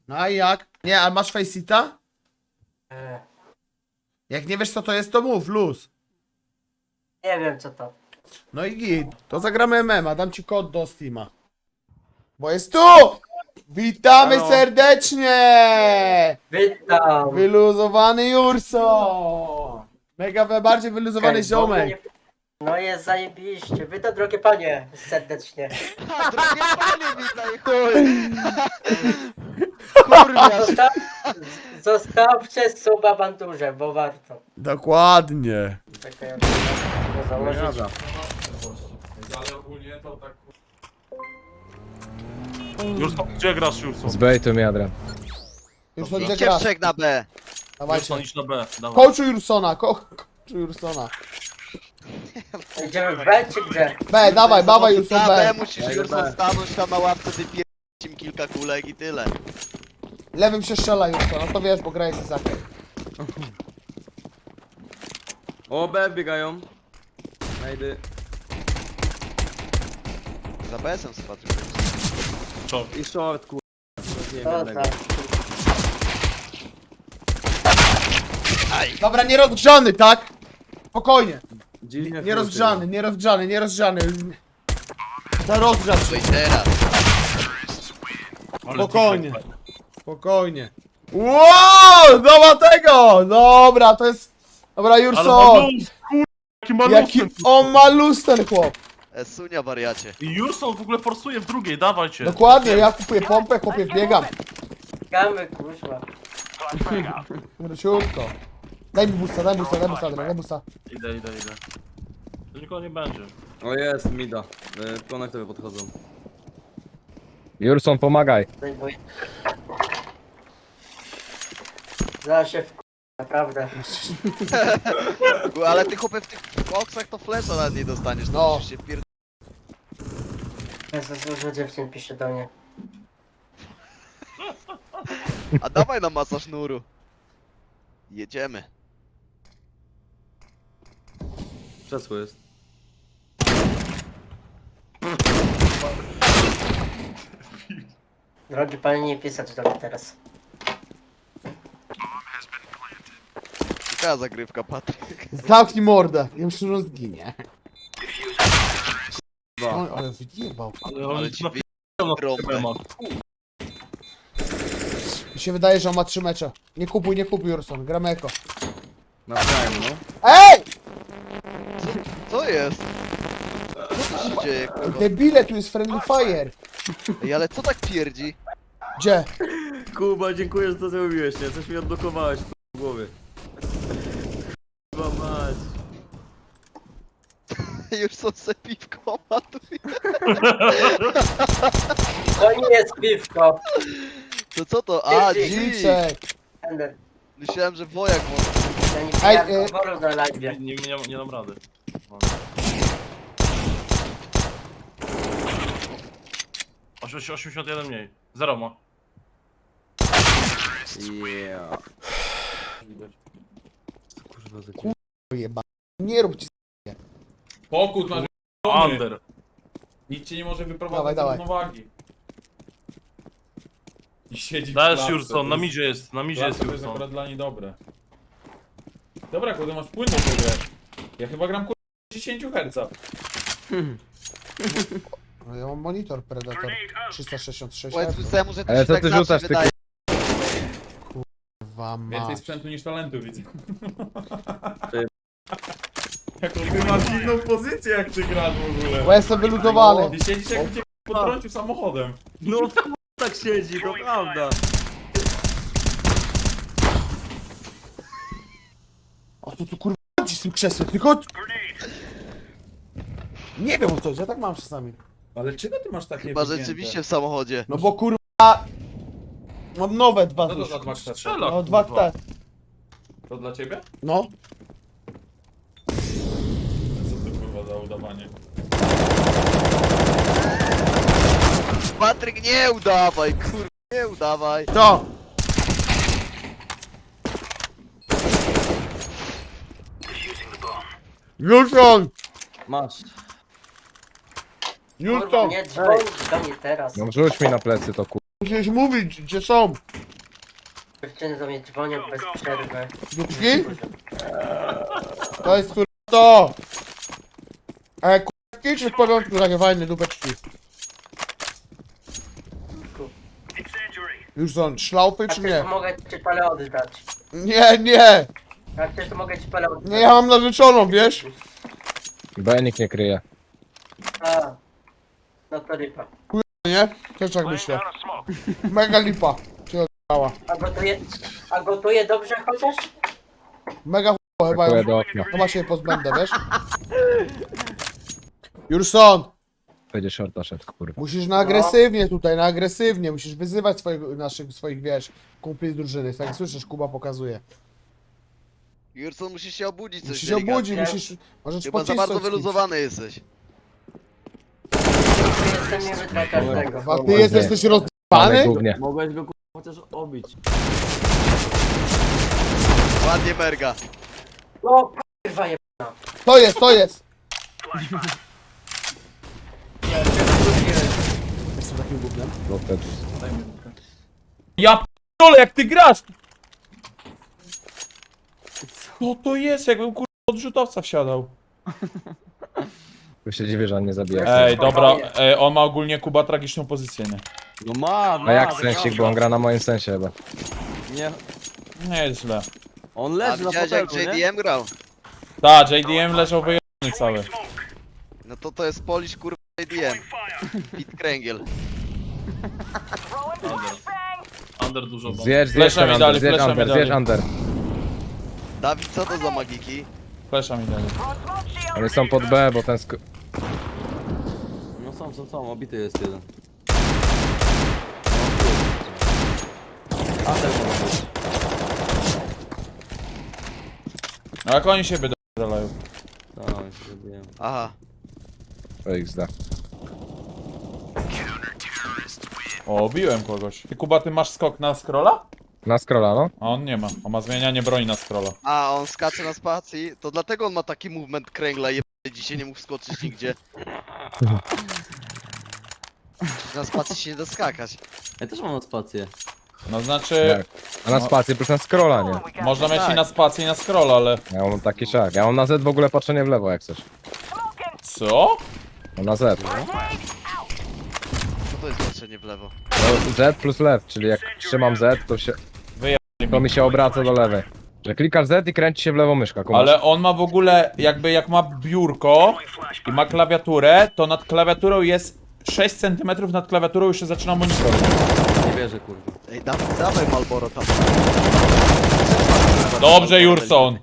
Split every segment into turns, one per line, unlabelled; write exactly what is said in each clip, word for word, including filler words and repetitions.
No a jak? Nie, a masz faceita?
E,
Jak nie wiesz co to jest, to mów, luz.
nie wiem co to.
No i git. To zagramy M M A, dam ci kod do Steama. Bo jest tu! Witamy
Halo.
serdecznie!
Witam!
Wyluzowany Jurso! Mega we- bardziej wyluzowany
Okej,
ziomek.
bo mnie- No jest zajebiście. Witam drogie panie serdecznie.
Ha, drogie panie, witaj, chuj! Kurwa!
Zostaw, zostawcie suba bandurze, bo warto.
Dokładnie.
Czekaj, ja muszę założyć.
Ale ogólnie to tak...
Już to, gdzie grasz, Jurson?
Z bejtu Adrian.
Już to gdzie
Idźcie
grasz?
w trzech na B.
Dawajcie.
Jurson, idź na B, dawaj.
Coachu Jursona, ko coachu Jursona.
Idziemy w B czy gdzie?
B, dawaj, dawaj Jurson
Na
B.
B musisz już stanąć tam na ławce, wypierać im kilka kulek i tyle.
Lewym się strzela Jurson, no to wiesz, bo gra jest Izakiem.
O, B biegają. Najdy.
Za B S-em spatrzył.
I short, kur... Nie
To
wiem jednego.
tak.
Dobra, nierozgrzany, tak? Spokojnie.
Dziwnie
Nierozgrzany, nierozgrzany, nierozgrzany. To rozgrzać
No
się.
i teraz.
Ale
Spokojnie.
ty-
Spokojnie. Wow, dobra tego! Dobra, to jest... Dobra,
Ale
Jurson!
malus, kur... Jaki malus
Jaki
ten-
on ma luz ten chłop.
E, Sunia wariacie.
I Jurson w ogóle forsuje w drugiej, dawajcie.
Dokładnie, ja kupuję pompę, chłopie, biegam.
Gamy, kurwa.
Wróciutko. Daj mi busta, daj busta, daj busta, daj busta.
Idę, idę, idę. To nikogo nie będzie.
O, jest, mida. Y, Konektory podchodzą.
Jurson, pomagaj.
Zajmuję. Zaraz się w... Naprawdę.
Ale ty chłopie w tych boksach to flesza nawet nie dostaniesz. To
No.
musisz się pierd...
Jezus, dużo dziewczyn pisze do mnie.
A dawaj na masa sznuru. Jedziemy.
Krzesło jest.
Drogi panie, nie pisać do mnie teraz.
Ciekawa zagrywka, Patryk.
Zamknij mordę, ja myślę, że on zginie.
Dwa.
Oj, ale wyjebał.
Ale on
Ale
jest
ci
na
wy...
na
Rąbę.
temat.
Mi się wydaje, że on ma trzy mecze. Nie kupuj, nie kupuj Jurson, gramy eko.
Nawzajem, no.
Ej!
Co jest? Co tu się dzieje, kurwa?
Debile, tu jest friendly fire.
Ej, ale co tak pierdzi?
Gdzie?
Kuba, dziękuję, że to zrobiłeś, nie? Coś mi odblokowałeś w głowie. Kuba mać.
Już są se piwko, matuje.
To nie jest piwko.
To co to? A, dzik!
Dziczek.
Ender.
Myślałem, że wojak może.
Ja nie
Ej,
pijam
y-
alkoholu na live.
Nie, nie, nie, nie dam rady. osiemdziesiąt jeden mniej. Zero ma.
Yeah. Co kurwa za
Ku- Jeba. Nie rób ci...
Pokój masz
Under.
Nikt cię nie może
Dawaj,
wyprowadzić z
dawaj.
równowagi. I siedzi w
Dajesz
klatce,
Jurson,
to
na
jest-
midzie jest, na midzie jest
klatce to jest
Jurson.
akurat dla niej dobre. Dobra, kurde, masz płynną grę. Ja chyba gram kurde dziesięć herców.
No, ja mam monitor Predator trzysta sześćdziesiąt sześć
Powiedz
herców.
temu, że to
Ale
się
co
tak
ty
zawsze
rzucasz, ty
wydaje.
Kurwa
Więcej
mać.
sprzętu niż talentu widzę.
Ty-
Jaką ty masz inną pozycję jak ty grasz w ogóle.
Bo jestem wyluzowany.
Ty siedzisz jak cię podrącił samochodem.
No kurwa tak siedzi, to prawda.
O tu tu kurwa chodzi z tym krzesłem, tylko... Nie wiem o co, ja tak mam czasami.
Ale czego ty masz takie
Chyba
wygięte?
rzeczywiście w samochodzie.
No bo kurwa... Mam nowe dwa
Co to
już.
za dwa krzesła?
Strzela,
No dwa
kurwa.
te.
To dla ciebie?
No.
Co to kurwa za udawanie?
Patryk, nie udawaj, kurwa, nie udawaj.
To. Jurson!
Masz.
Kurwa,
Jurson!
nie dzwoń do mnie teraz.
No rzuć mi na plecy to kur...
musisz mówić, gdzie są.
Dziewczyny do mnie dzwonią bez przerwy.
Dupki? To jest kurwa to! E, kurwa, czy w porządku, takie fajne dupeczki? Już są szlaufy,
Jak
czy
chcesz,
nie?
to mogę ci palę oddać.
Nie, nie!
Jak chcesz, to mogę ci palę oddać.
Nie, ja mam narzeczoną, wiesz?
B nikt nie kryje.
A, no to lipa.
Nie? Też tak myślę. Mega lipa. Się odjechała.
A gotuje, a gotuje dobrze chociaż?
Mega ch**o chyba
Brakuje
ją.
do okna.
Chyba się jej pozbędę, wiesz? Jurson!
Będzie shorta szedł, kurwa.
Musisz na agresywnie tutaj, na agresywnie. Musisz wyzywać swoich, naszych, swoich, wiesz, kumpli z drużyny. Tak jak słyszysz, Kuba pokazuje.
Jurson, musisz się obudzić coś
Musisz się obudzić,
delikatnie.
musisz... Możesz
Chyba za
pocisnąć
bardzo
z kimś.
wyluzowany jesteś.
To jestem niby dla każdego.
A ty jest, jesteś
Ale
rozbany?
głównie.
Mogłeś go kurwa chociaż obić.
Ładnie merga.
No kurwa je...
To jest, to jest!
Ja się wróciłem.
Jestem takim gównem.
Bo wtedy.
Ja p***dolę, jak ty grasz! Co to jest? Jakbym kurwa odrzutowca wsiadał.
Tu się dziwię, że on nie zabija.
Ej, dobra, ej, on ma ogólnie Kuba tragiczną pozycję, nie?
No ma, ma.
A jak
no
sensik,
ma.
bo on gra na moim sensie chyba.
Nie,
Nie jest źle.
on
A
leży na
widziałeś jak
fotelu,
J
nie?
D M grał?
Ta, J D M leżał wyjebany cały.
No to to jest Polish kurwa J D M. Pit Kręgiel.
Under. Under dużo bomb.
Zjedź, zjedź
Flesza
ten
mi
under,
dali,
zjedź
flesza mi
under,
dali.
zjedź under.
Dawid, co to za magiki?
Flesza mi dali.
Oni są pod B, bo ten sk...
No są, są, są, obity jest jeden. A ten może być.
No jak oni siebie dolają.
No, się zrobiłem.
Aha.
To X D.
O, biłem kogoś. Ty Kuba, ty masz skok na scrolla?
Na scrolla, no.
A on nie ma. On ma zmienianie broni na scrolla.
A, on skacze na spacji, to dlatego on ma taki movement kręgla i dzisiaj nie mógł skoczyć nigdzie. Na spacji się nie da skakać.
Ja też mam na spację.
No znaczy,
Tak. A na spacji plus na scrolla, nie.
można mieć i
Tak.
na spację i na scrolla, ale...
Ja mam taki szak. Ja mam na Z w ogóle patrzenie w lewo jak chcesz.
Co?
Mam na Z.
Co to jest patrzenie w lewo?
No, Z plus lew, czyli jak trzymam Z, to się... To mi się obraca do lewej. Że klikasz Z i kręci się w lewo myszka, kumasz?
Ale on ma w ogóle, jakby jak ma biurko i ma klawiaturę, to nad klawiaturą jest sześć centymetrów nad klawiaturą już się zaczyna monitor.
Nie wierzę, kurwa.
Ej, Dawid, dawaj Malboro tam.
Dobrze, Jurson.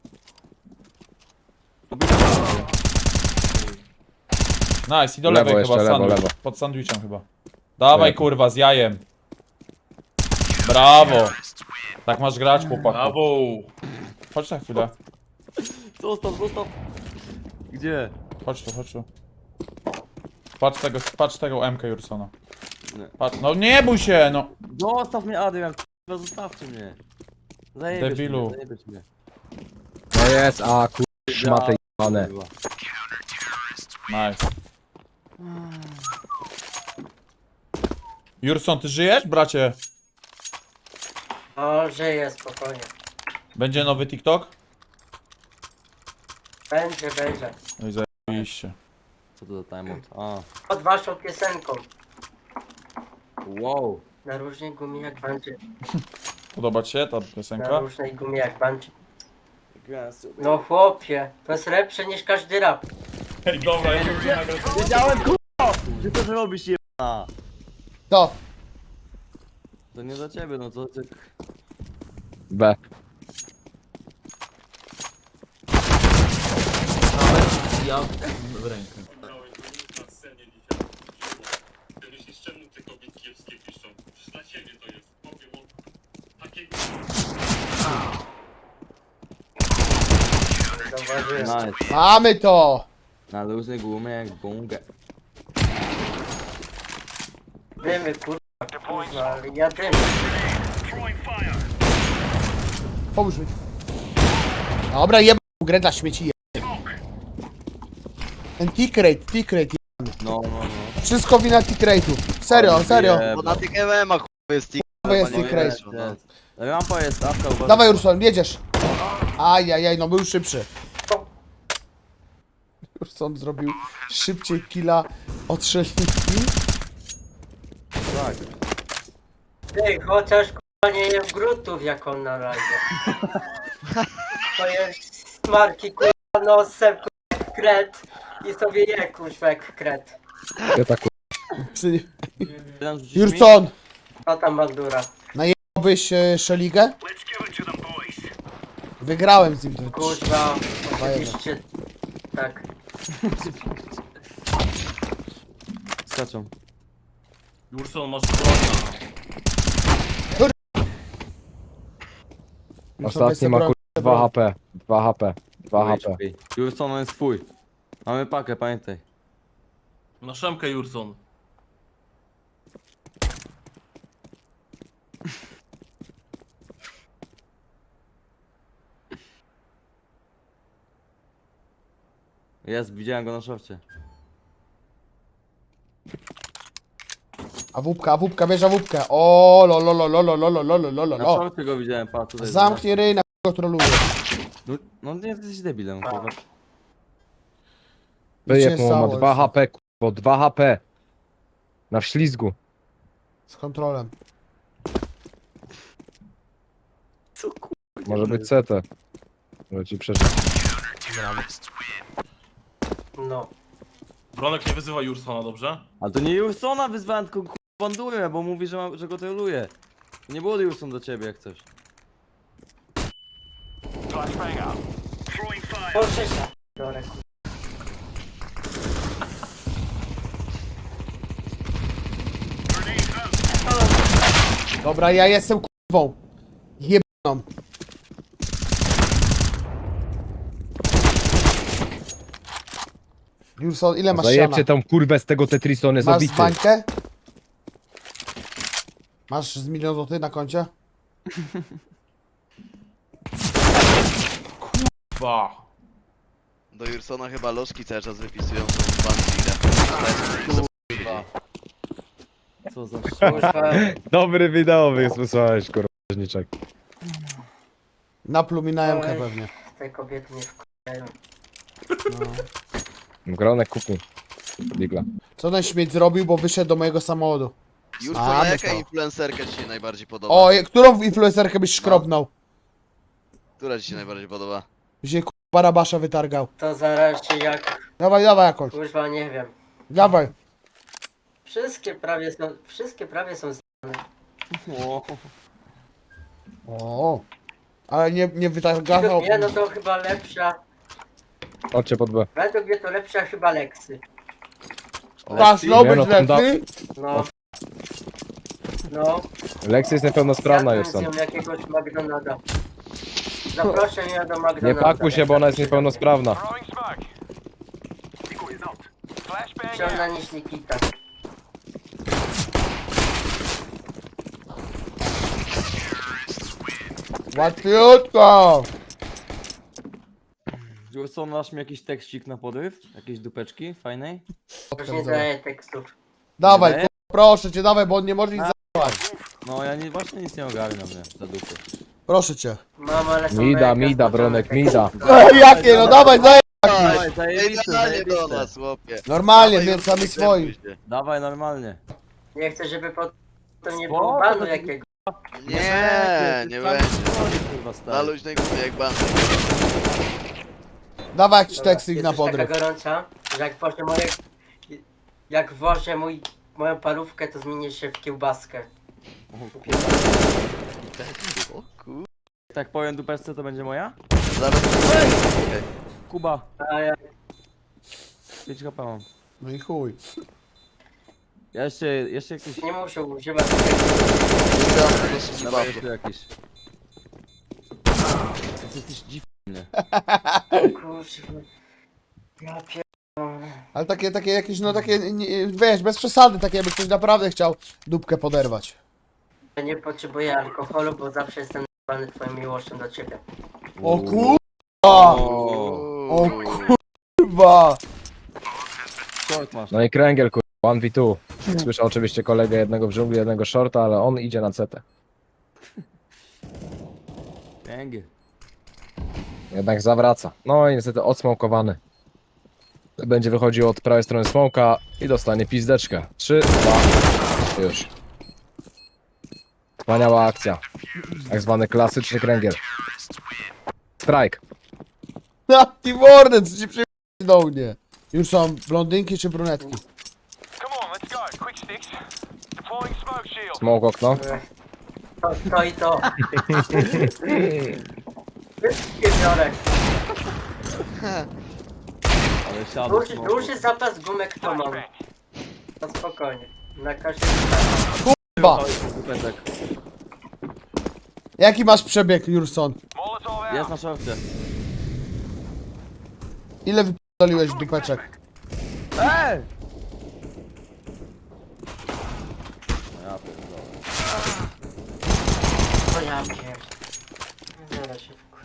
Nice, i do
Lewo
lewej
jeszcze,
chyba,
lewo,
sandwich.
lewo.
Pod sandwichem chyba. Dawaj
Lewo.
kurwa, z jajem. Brawo. Tak masz grać, chłopaku.
Brawo!
Chodź na chwilę.
Zostaw, zostaw. Gdzie?
Chodź tu, chodź tu. Patrz tego, patrz tego M K Jursona.
Nie.
Patrz, no nie bój się, no.
Zostaw mnie, Adrian, kurwa, zostawcie mnie. Zajebiesz
Debilu.
mnie, zajebiesz mnie.
No jest, a kur... szmaty jebane.
Kurwa.
Nice. Jurson, ty żyjesz, bracie?
O, żyję spokojnie.
Będzie nowy TikTok?
Będzie, będzie.
No i zajebiście.
Co to za timeout? A,
Pod waszą piosenką.
wow.
Na różnej gumie jak banczy.
Podoba ci się ta
Na
piosenka?
różnej gumie jak banczy. No chłopie, to jest lepsze niż każdy rap.
Ej, dobra, ja nie nagrać.
Wiedziałem, kurwa, że to zrobisz, jebana.
To.
To nie za ciebie, no to ty...
B.
Ja...
W rękę.
Myślisz, czemu te kobiety kiepskie piszą? Przecież dla ciebie to jest. Powiem o takiego...
Zauważyłem.
Nice.
Mamy to!
Na luźnej gumie jak gumkę.
Dymy, kurwa, kurwa, ale ja dymy.
Pomóż mi. Dobra, jeb grę dla śmieci. Jeb. Ten tick rate, tick rate
No, no, no.
Wszystko wina tick rate'ów. Serio, serio.
Bo na tych M M-ach chuj jest tick.
To jest
Normalnie
tick rate.
jest, no.
Rampa jest, apka, uważaj.
Dawaj Urson, jedziesz. Ajajaj, no był szybszy. Urson zrobił szybciej killa od strzelniki.
Tak.
Ty, chociaż kurwa nie jem grutów jak on na razie. To jest smarki kurwa nosem kurwa jak kret i sobie je kurwa jak kret.
Ja tak
Psy.
Tam rzucisz mi?
Urson,
Co tam bandura?
byś e, Szeligę? Wygrałem z nim. To...
Kurwa, oczywiście. Tak.
Skaczą.
Urson, masz brona.
Ostatni ma kur... dwa H P. dwa H P. dwa H P.
Już co, no jest twój. Mamy pakę, pamiętaj.
Na szemkę, Urson.
Jest, widziałem go na szorcie.
A wupka, a wupka, bierze wupkę. O, lo, lo, lo, lo, lo, lo, lo, lo, lo, lo,
Na
lo.
szorcie go widziałem, pa, tutaj.
Zamknij ryj, na go troluje.
No, no nie jesteś debilem, kurwa.
Wyjeb
Cię
mu, ma
stało
dwa
już.
H P, kurwa, dwa H P. Na wślizgu.
Z kontrolem.
Co kurwa?
Może być C T. Może ci przeżyć.
No.
Bronek nie wyzywa Ursona, dobrze?
Ale to nie Ursona wyzwałem, tylko kurwa bandurę, bo mówi, że, ma, że go troluje. Nie było Urson do ciebie jak coś.
Proszę się. Dorek.
Dobra, ja jestem kurwą. Jebną. Urson, ile masz siana?
Zajebcie tą kurwę z tego Tetrisa, on jest
Masz
obity.
bańkę? Masz z milion złotych na koncie?
Ba.
Do Jursona chyba lożki cały czas wypisują, są banki.
Co za
Kurwa.
Dobry wideo wysłałeś, kurwa, rzeźniczek.
Napluł na jemkę
Oj.
pewnie.
Te kobiety nie wkurzają.
Gronek kupi. Digla.
Co ten śmieć zrobił, bo wyszedł do mojego samochodu?
Jurson,
A,
jaka
no to.
influencerka ci się najbardziej podoba?
O, je- którą influencerkę byś szkrobnął?
Która ci się najbardziej podoba?
Byś się kurwa Barabasza wytargał.
To zależy jak.
Dawaj, dawaj jakąś.
Kurwa nie wiem.
Dawaj.
Wszystkie prawie są. Wszystkie prawie są z...
O,
O. Ale nie, nie wytargał.
Nie no to chyba lepsza.
Chodźcie pod B.
Według mnie to lepsza chyba Lexy.
Masz
Nie,
robić
no, tam da-
lepiej.
No. No.
Lexi jest niepełnosprawna,
Zjadłem
Jurson.
z nią jakiegoś McDonalda. Zaproszę mnie do McDonalda.
Nie pakuj się, bo ona jest niepełnosprawna.
Ciągna niż Nikita.
Łatwiutko.
Urson, masz mi jakiś tekstik na podryw? Jakieś dupeczki fajnej?
Już nie daję tekstów.
Dawaj,
Nie?
kurwa, proszę cię, dawaj, bo on nie może nic zachować.
No ja nie, właśnie nic nie ogarniam, nie, za dupy.
Proszę cię.
Mam, ale są
Mida,
mega
mida,
zboczone
Bronek,
teksty.
mida.
Ej, jakie, no dawaj, dawaj.
Dawaj,
Ej,
zajebiste,
normalnie do
zajebiste.
nas, chłopie.
Normalnie,
Dawaj,
więc sami
Jurson,
swoi.
krępuj się.
Dawaj normalnie.
Nie chcę, żeby potem nie
Spoko,
było banu
to-
jakiego.
Nie, nie będzie.
Kurwa
Na
stary.
luźnej górze jak bandy.
Dawaj jakiś
Dobra,
tekstik na
jesteś
podryw.
taka gorąca, że jak włożę moje... Jak włożę mój, moją parówkę, to zmienię się w kiełbaskę.
O kur...
Tak powiem dupeczce, to będzie moja?
Zaraz... Okej.
Kuba,
A ja...
pięć H P mam.
No i chuj.
Ja jeszcze, jeszcze jakiś...
Nie muszę używać tego.
Wygrałem po prostu z
Dawaj
babką.
jeszcze jakiś. Ty jesteś dziwny.
Kurwa. Ja pier...
Ale takie, takie jakieś, no takie, nie, wiesz, bez przesady, takie jakby ktoś naprawdę chciał dupkę poderwać.
Ja nie potrzebuję alkoholu, bo zawsze jestem zbany twoją miłością do ciebie.
O kurwa!
O,
O kurwa!
short masz.
No i kręgiel, kurwa, one v two. Słyszę oczywiście kolegę jednego w dżungli, jednego shorta, ale on idzie na C T.
Kręgiel.
Jednak zawraca. No i niestety odsmokowany. Będzie wychodził od prawej strony smoka i dostanie pizdeczkę. trzy, dwa, już. Wspaniała akcja. Tak zwany klasyczny kręgiel. Strike.
Na Team Warden, co ci przyjdzie do mnie? Już są blondynki czy brunetki?
Smoke okno.
To, to i to. Wszystkie biorę.
Ale siadł.
Duży, duży zapas gumek to mam. To spokojnie. Na każdym
Ba.
Peczek.
Jaki masz przebieg, Jurson?
Jest na shorcie.
Ile wypierdoliłeś dupeczek?
Ej! Ja pierdolę.
to ja pierd... Zaraz się wkur...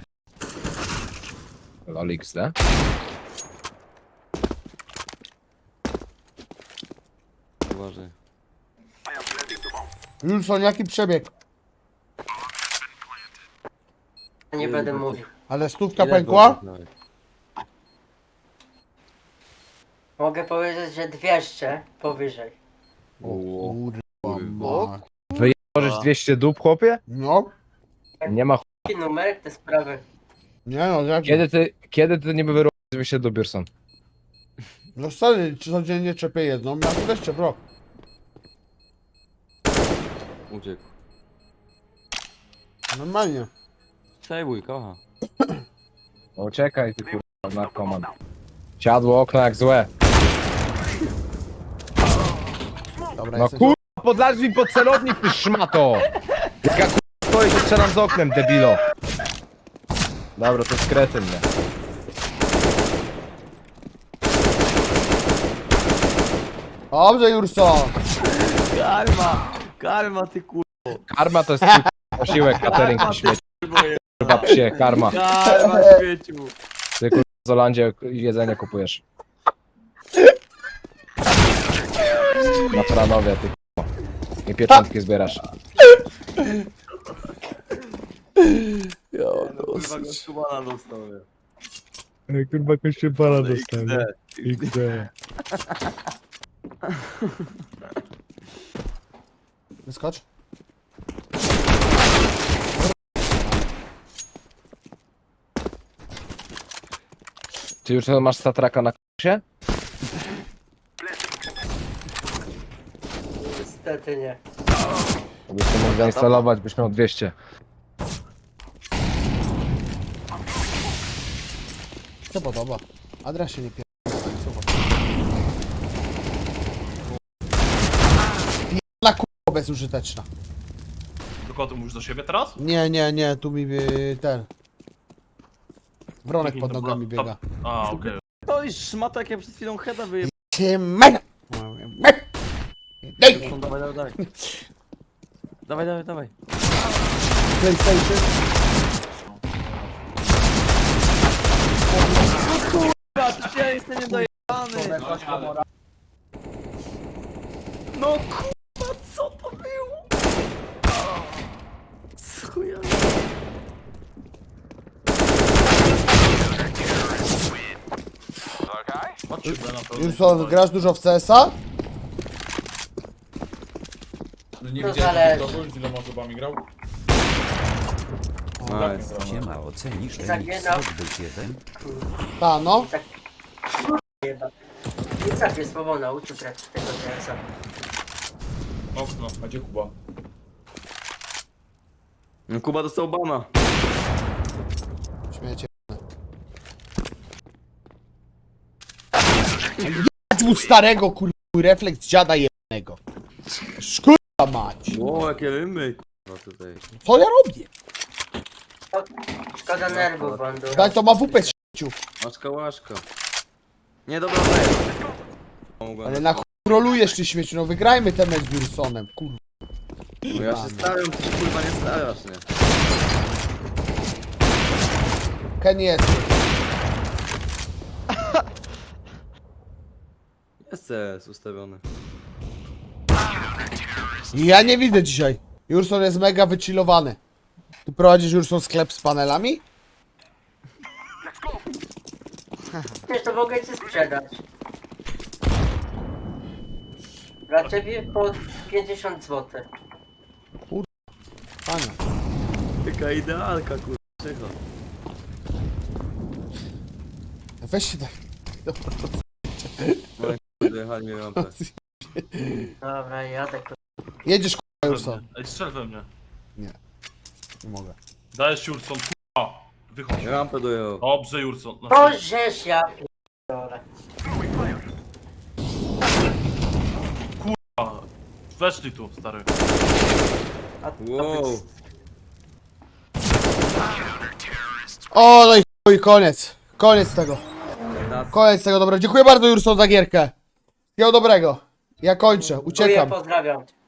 Lol X D.
Uważaj.
Jurson, jaki przebieg?
Nie będę mówił.
Ale stówka
Ile
pękła?
było nawet?
Mogę powiedzieć, że dwieście powyżej.
O,
Kurwa.
Możesz dwieście dup, chłopie?
No,
Nie ma ch...
Jaki numerek te sprawy?
nie no, jak
Kiedy ty, kiedy ty niby wyrobisz dwieście dup, Bierson?
No stary, codziennie czepię jedną, ja tu też czepię, bro.
uciekł.
Normalnie.
Przejmuj, kocha.
Uciekaj ty kurwa, narkoman. Siadło okno jak złe.
Dobra,
No
jesteś...
kurwa, podlazł mi pod celownik, ty szmato! Jak ja kurwa stoję, to strzelam z oknem, debilo. Dobra, to jest kretyn, nie?
Dobrze, Jurson.
Karma! Karma, ty kur...
Karma to jest twój posiłek, catering na śmieci. Kurwa psie, karma.
Karma, śmieciu!
Ty kurwa w Zolandzie jedzenie kupujesz. Na Franowie, ty kurwa. I pieczątki zbierasz.
Kurwa, go szumana dostał, nie?
Kurwa kościół pana
D.
Wyskocz.
Ty już masz statraka na k***sie?
Niestety nie.
Byś to mógł zainstalować, byś miał dwieście.
Co podoba? Adres się nie pier... Pierdla kurwa bezużyteczna.
Tylko ty mówisz do siebie teraz?
Nie, nie, nie, tu mi y, ten... Wronek pod
To była-
nogami
to-
biega.
A, okej.
To jest szmata, jak ja przed chwilą heada wyjebałem.
Cię mega! Daj!
Dawaj, dawaj, dawaj. Dawaj, dawaj, dawaj.
PlayStation.
Kurwa, ty ja jestem niedojebany. No kurwa, co to było? Co ja...
Patrzcie na to.
Jurson, grasz dużo w C S a?
No nie
To
widziałem
zależy.
kogoś, z iloma osobami grał?
Nice.
Siema, ocenisz
Zaginał.
remix Hotbit jeden?
Ta, no.
Tak... Jeba. Nicak mnie słowo nauczył grać w tego T S a.
Okno.
A gdzie Kuba?
No Kuba dostał bana.
Śmiecie. Jadź mu starego kurwa, refleks dziada jednego. Szkurwa mać.
Ło, jakie rymy, kurwa, tutaj.
Co ja robię?
Szkoda nerwów, Bandura.
Daj to ma W P śmieciu.
Łaszka, łaszka. Nie, dobra, daj. Mogłem.
Ale na chuj rolujesz ty śmieciu, no wygrajmy ten mecz z Jursonem, kurwa.
No ja się staram, ty się kurwa nie starasz, nie?
Ken jest.
Jest C jest ustawiony.
Ja nie widzę dzisiaj. Jurson jest mega wychillowany. Ty prowadzisz Jurson sklep z panelami?
Wiesz, to mogę ci sprzedać. Dla ciebie po pięćdziesiąt złotych.
Panie.
Taka idealka, kurwa, czego?
Weź się tak.
Dojechali mnie rampę.
Dobra, jadę kurwa.
Jedziesz k***a Jurson.
Ej, strzel we mnie.
Nie mogę.
Dajesz Jurson, k***a. Wychodź.
Rampę dojechał.
Dobrze Jurson. Na
To żeż ja p***dolę.
k***a. Weszli tu, stary.
A to
Wow.
O, no i chuj, koniec. Koniec tego.
Nas-
Koniec tego, dobra. Dziękuję bardzo Jurson za gierkę. Miał dobrego. Ja kończę,
Dziękuję,
uciekam.
pozdrawiam.